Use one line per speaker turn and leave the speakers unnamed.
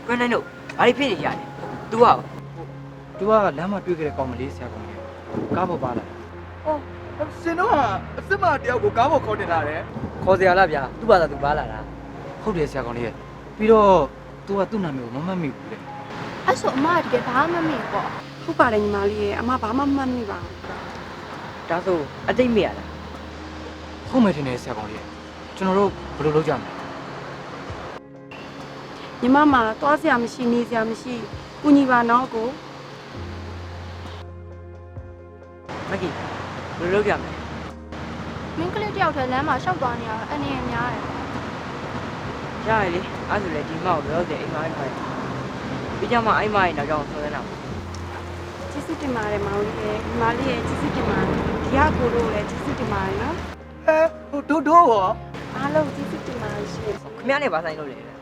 ကိုနိုင်တို့ဘာဖြစ်နေကြလဲ तू ဟာ
သူကလမ်းမှာတွေ့ခဲ့တဲ့ကောင်မလေးဆရာကောင်လေးကားပေါ်ပါလာ
ရှင်တို့ဟာအစ်မတယောက်ကိုကားပေါ်ခေါ်တင်လာတယ်
ခေါ်စရာလားဗျာသူ့ဘာသာသူပါလာတာ
ဟုတ်တယ်ဆရာကောင်လေးရဲ့ပြီးတော့သူကသူ့နာမည်ကိုမမှတ်မိဘူးလေ
အဲ့ဆိုအမကတကယ်ဘာမှမမေ့ပေါ့
ဟုတ်ပါတယ်ညီမလေးရဲ့အမဘာမှမမှတ်မိပါဘူး
ဒါဆိုအတိတ်မေ့ရလား
ဟုတ်မယ်ထင်တယ်ဆရာကောင်လေးရဲ့ကျွန်တော်တို့ဘယ်လိုလုပ်ကြမလဲ
ညီမမှာသွားစရာမရှိနေစရာမရှိကုညီပါနော်ကို
မကီဘယ်လိုလုပ်ကြမလဲ
မင်းကလေးတယောက်တည်းလမ်းမှာရှောက်သွားနေရတာအနေနဲ့များတယ်
ရရလေအဲ့ဆိုလေဒီမောက်ရောတဲ့အိမ်မအိမ်ခိုင်းပြီးကြမှာအိမ်မရဲ့နောက်ကြောင်ဆွဲနေတာ
ကျေးဇူးတင်ပါတယ်မောင်လေးရဲ့ညီမလေးရဲ့ကျေးဇူးတင်ပါတယ်ဒီကကိုတို့လည်းကျေးဇူးတင်ပါတယ်နော်
ဟဲဟိုတို့ရော
အားလုံးကျေးဇူးတင်ပါတယ်ရှင်
ခင်ဗျားနဲ့ဘာဆိုင်လို့လဲ